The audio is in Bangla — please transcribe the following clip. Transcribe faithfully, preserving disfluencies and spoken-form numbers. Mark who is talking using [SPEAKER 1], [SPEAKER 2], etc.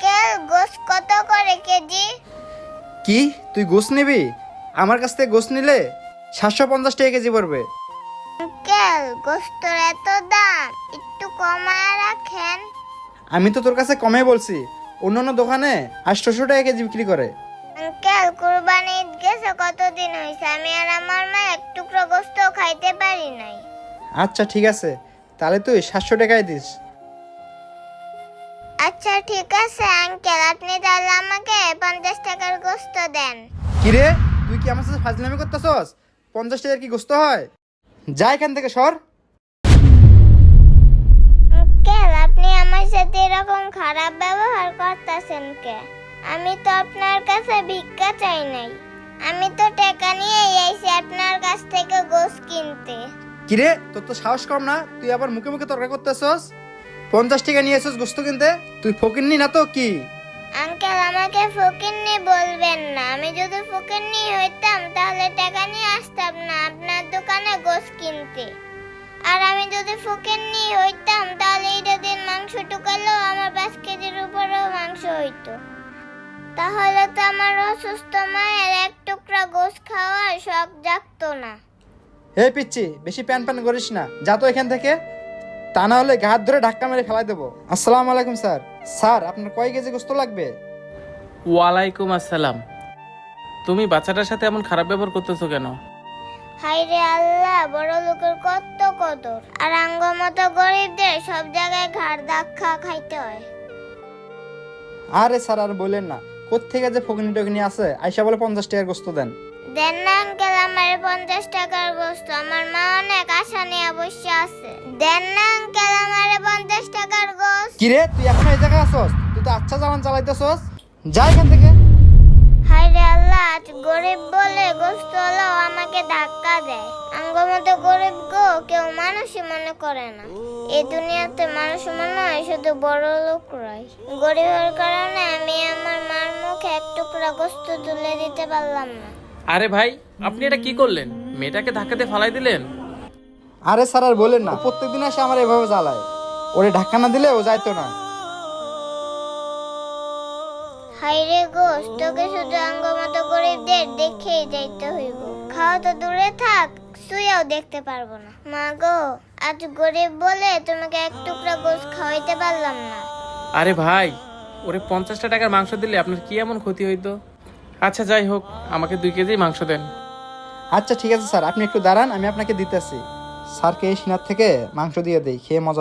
[SPEAKER 1] আঙ্কেল গোস কত করে কেজি?
[SPEAKER 2] কি তুই গোস নিবি? আমার কাছ থেকে গোস নিলে সাতশো পঞ্চাশ টাকা কেজি পড়বে।
[SPEAKER 1] আঙ্কেল গোস্তর এত দাম, একটু কমায় রাখেন।
[SPEAKER 2] আমি তো তোর কাছে কমে বলছি, অন্যান্য দোকানে আটশোশো টাকা কেজি বিক্রি করে।
[SPEAKER 1] আঙ্কেল কুরবানি ঈদ গেছে কতদিন হয়েছে, আমি আর আমার মা এক টুকরো গোস্ত খাইতে পারি নাই।
[SPEAKER 2] আচ্ছা ঠিক আছে, তাহলে তুই সাতশো টাকায় দিস।
[SPEAKER 1] আচ্ছা ঠিক আছে আঙ্কেল, আপনি তাহলে আমাকে পঞ্চাশ টাকার গোস্ত দেন।
[SPEAKER 2] কিরে তুই কি আমার সাথে ফাজলামি করতেছস? পঞ্চাশ টাকার কি গোস্ত হয়? যা এখান থেকে সর।
[SPEAKER 1] আঙ্কেল আপনি আমার সাথে এরকম খারাপ ব্যবহার করতেছেন কে? আমি তো আপনার কাছে ভিক্ষা চাই নাই, আমি তো টাকা নিয়ে আইছি আপনার কাছ থেকে গোস্ত কিনতে।
[SPEAKER 2] কিরে তোর তো সাহস কম না, তুই আবার মুখে মুখে তর্ক করতেছস? পঞ্চাশ টাকা নিয়ে এসেছিস গোস্ত কিনতে? তুই ফকিন্নি না তো কি?
[SPEAKER 1] আঙ্কেল আমাকে ফকিন্নি বলবেন না, আমি যদি ফকিন্নি হইতাম তাহলে টাকা নিয়ে আসতাম না আপনার দোকানে গোস্ত কিনতে। আর আমি যদি ফকিন্নি হইতাম তাহলে এইটা দিন মাংস টুকালেও আমার পাঁচ কেজির উপরেও মাংস হইতো। তাহলে তো আমার অসুস্থ মায়ের এক টুকরা গোস্ত খাওয়ার শখ জাগতো না।
[SPEAKER 2] হে পিচ্ছি, বেশি প্যান প্যান করিস না, যা তো এখান থেকে, তা না হলে ঘাট ধরে ধাক্কা মেরে ফেলাই দেবো। আসসালামু আলাইকুম স্যার। স্যার আপনার কয় কেজি গোস্ত লাগবে?
[SPEAKER 3] ওয়ালাইকুম আসসালাম। তুমি বাচ্চাটার সাথে এমন খারাপ ব্যবহার করতেছো কেন?
[SPEAKER 1] হায়রে আল্লাহ, বড় লোকের কত কদর, আর আঙ্গ মতো গরিবদের সব জায়গায় ঘাড় ধাক্কা খাইতে হয়।
[SPEAKER 2] আরে স্যার আর বললেন না, কোত্থেকে যে ফকিনি টকিনি আছে, আইসা বলে পঞ্চাশ টাকার গোস্ত দেন।
[SPEAKER 1] দেন না আঙ্কেল আমার পঞ্চাশ টাকার গোস্ত, আমার মা অনেক আশা নিয়ে অবশ্য আছে। দেন না আঙ্কেল আমার পঞ্চাশ টাকার গোস্ত।
[SPEAKER 2] কিরে তুই এখন এই জায়গায় আসছস? তুই তো আচ্ছা চালান চালাইতেছস, যা এখান থেকে।
[SPEAKER 1] হায়রে আল্লাহ, আজ গরিব বলে গোস্ত হলো আমাকে ধাক্কা দেয়। আঙ্গ মতো গরিব গো কেউ মানুষই মনে করে না। এই দুনিয়াতে মানুষ মনে হয় শুধু বড় লোকরাই। গরিবের কারণে আমি আমার মার মুখে এক টুকরা গোস্ত তুলে দিতে পারলাম না।
[SPEAKER 3] আরে ভাই, আপনি এটা কি করলেন? মেয়েটাকে ধাক্কাতে ফালাই দিলেন।
[SPEAKER 2] আরে স্যার আর বলেন না, প্রত্যেকদিন এসে আমার এভাবে জ্বালায়। ওরে ধাক্কা না দিলে ও যাইতো না।
[SPEAKER 1] হাইরে গোস, তোকে শুধু আঙ্গ মতো গরিবদের দেখেই যাইতে হইব। খাওয়া তো দূরে থাক, শুয়েও দেখতে পারবো না। মা গো, আজ গরিব বলে তোমাকে এক টুকরা গোস খাওয়াইতে পারলাম না।
[SPEAKER 3] আরে ভাই, ওরে পঞ্চাশটা টাকার মাংস দিলে আপনার কি এমন ক্ষতি হইতো? আচ্ছা যাই হোক, আমাকে দুই কেজি মাংস দেন।
[SPEAKER 2] আচ্ছা ঠিক আছে স্যার, আপনি একটু দাঁড়ান, আমি আপনাকে দিতেছি। স্যারকে এই সিনার থেকে মাংস দিয়ে দেই, খেয়ে মজা।